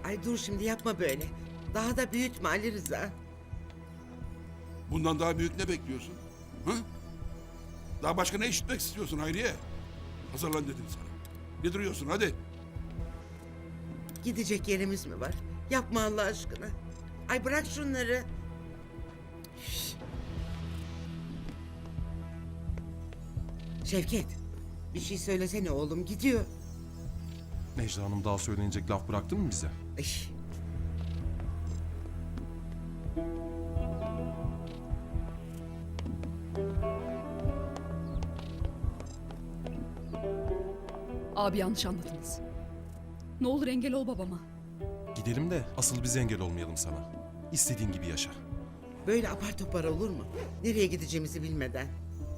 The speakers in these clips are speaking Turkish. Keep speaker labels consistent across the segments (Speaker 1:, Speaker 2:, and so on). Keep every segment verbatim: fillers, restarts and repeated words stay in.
Speaker 1: Ay dur şimdi yapma böyle. Daha da büyütme Ali Rıza.
Speaker 2: Bundan daha büyük ne bekliyorsun? Ha? Daha başka ne işitmek istiyorsun Hayriye? Hazırlan dedim sana. Ne duruyorsun hadi.
Speaker 1: Gidecek yerimiz mi var? Yapma Allah aşkına. Ay bırak şunları. Şş. Şevket, bir şey söylesene oğlum, gidiyor.
Speaker 3: Necla Hanım daha söylenecek laf bıraktı mı bize?
Speaker 1: Ay.
Speaker 4: Abi yanlış anladınız. Ne olur engel ol babama.
Speaker 3: Gidelim de asıl biz engel olmayalım sana. İstediğin gibi yaşa.
Speaker 1: Böyle apar topar olur mu? Nereye gideceğimizi bilmeden.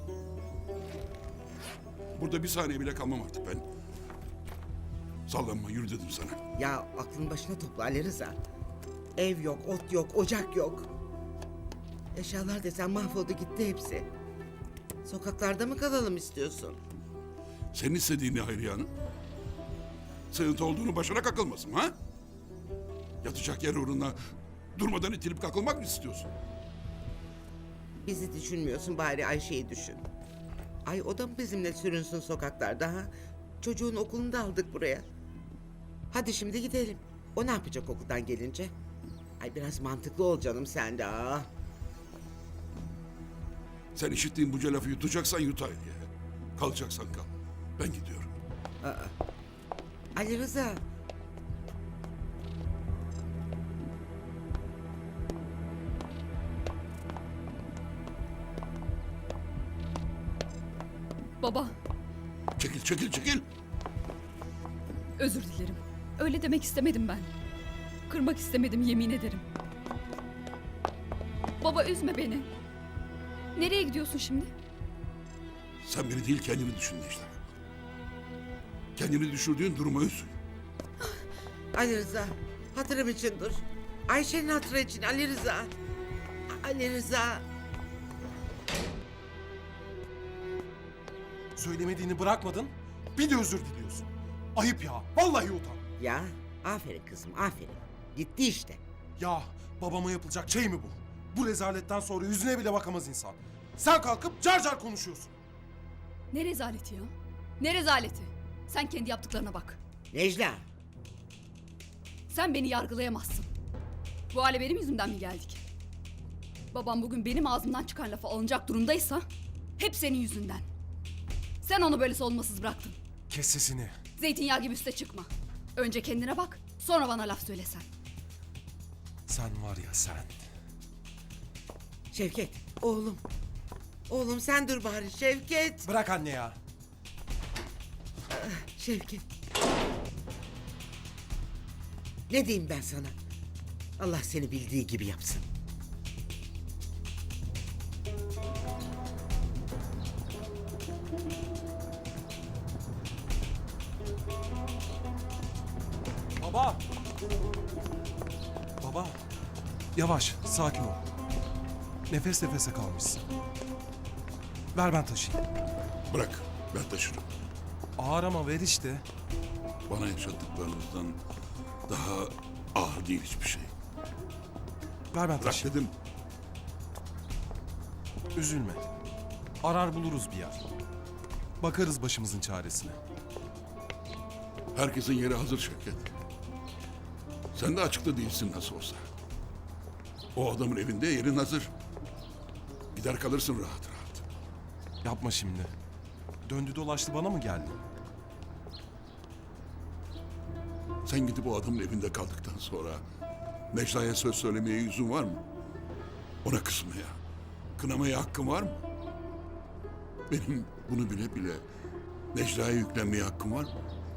Speaker 2: Burada bir saniye bile kalmam artık ben. Sallanma yürü dedim sana.
Speaker 1: Ya aklın başına topla Ali Rıza. Ev yok, ot yok, ocak yok. Eşyalar desen mahvoldu gitti hepsi. Sokaklarda mı kalalım istiyorsun?
Speaker 2: Senin istediğin ne Hayriye Hanım? Sığıntı olduğunu başına kakılmasın ha? Yatacak yer uğruna durmadan itilip kakılmak mı istiyorsun?
Speaker 1: Bizi düşünmüyorsun, bari Ayşe'yi düşün. Ay o da mı bizimle sürünsün sokaklarda ha? Çocuğun okulunu da aldık buraya. Hadi şimdi gidelim. O ne yapacak okuldan gelince? Ay biraz mantıklı ol canım sen de. ah.
Speaker 2: Sen işittiğin bunca lafı yutacaksan yut Hayriye. Kalacaksan kal. Ben gidiyorum.
Speaker 1: Ali Rıza.
Speaker 4: Baba,
Speaker 2: Çekil çekil çekil.
Speaker 4: özür dilerim. Öyle demek istemedim ben. Kırmak istemedim, yemin ederim. Baba üzme beni. Nereye gidiyorsun şimdi?
Speaker 2: Sen beni değil kendini düşün Necla. Kendini düşürdüğün duruma üzül.
Speaker 1: Ali Rıza. Hatırım için dur. Ayşe'nin hatırı için Ali Rıza. Ali Rıza.
Speaker 3: Söylemediğini bırakmadın, bir de özür diliyorsun. Ayıp ya, vallahi utan.
Speaker 1: Ya aferin kızım aferin. Gitti işte.
Speaker 3: Ya babama yapılacak şey mi bu? Bu rezaletten sonra yüzüne bile bakamaz insan. Sen kalkıp car car konuşuyorsun.
Speaker 4: Ne rezaleti ya? Ne rezaleti? Sen kendi yaptıklarına bak.
Speaker 1: Necla.
Speaker 4: Sen beni yargılayamazsın. Bu hale benim yüzümden mi geldik? Babam bugün benim ağzımdan çıkan lafa alınacak durumdaysa hep senin yüzünden. Sen onu böyle savunmasız bıraktın.
Speaker 3: Kes sesini.
Speaker 4: Zeytinyağı gibi üste çıkma. Önce kendine bak, sonra bana laf söylesen.
Speaker 3: Sen var ya sen.
Speaker 1: Şevket oğlum. Oğlum sen dur bari Şevket.
Speaker 3: Bırak anne ya.
Speaker 1: Şevket. Ne diyeyim ben sana? Allah seni bildiği gibi yapsın.
Speaker 3: Baba. Baba. Yavaş, sakin ol. Nefes nefese kalmışsın. Ver ben taşıyayım.
Speaker 2: Bırak ben taşırım.
Speaker 3: Ağır ama ver işte.
Speaker 2: Bana yaşattıklarınızdan daha ağır değil hiçbir şey.
Speaker 3: Ver ben
Speaker 2: Bırak
Speaker 3: taşıyayım.
Speaker 2: dedim.
Speaker 3: Üzülme. Arar buluruz bir yer. Bakarız başımızın çaresine.
Speaker 2: Herkesin yeri hazır Şevket. Sen de açıkta değilsin nasıl olsa. O adamın evinde yerin hazır. Gider kalırsın rahat rahat.
Speaker 3: Yapma şimdi. Döndü dolaştı bana mı geldi?
Speaker 2: Sen gidip o adamın evinde kaldıktan sonra Necla'ya söz söylemeye yüzün var mı? Ona kızmaya, kınamaya hakkın var mı? Benim bunu bile bile Necla'ya yüklenmeye hakkım var mı?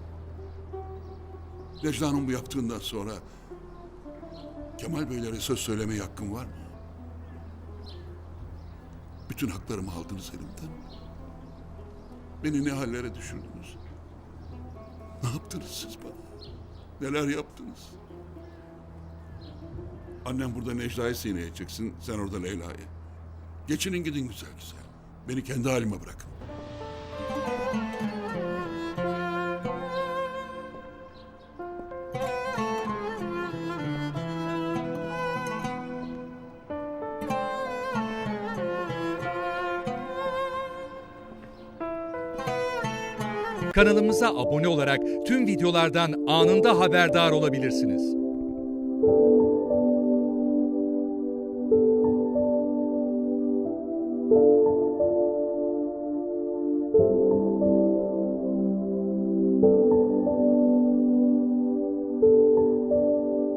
Speaker 2: Necla'nın bu yaptığından sonra Kemal Beylere söz söylemeye hakkım var mı? Bütün haklarımı aldınız elimden. Beni ne hallere düşürdünüz? Ne yaptınız siz bana? Neler yaptınız? Annem burada Necla'yı sineye çeksin, sen orada Leyla'yı. Geçinin gidin güzel güzel. Beni kendi halime bırakın.
Speaker 5: Kanalımıza abone olarak tüm videolardan anında haberdar olabilirsiniz.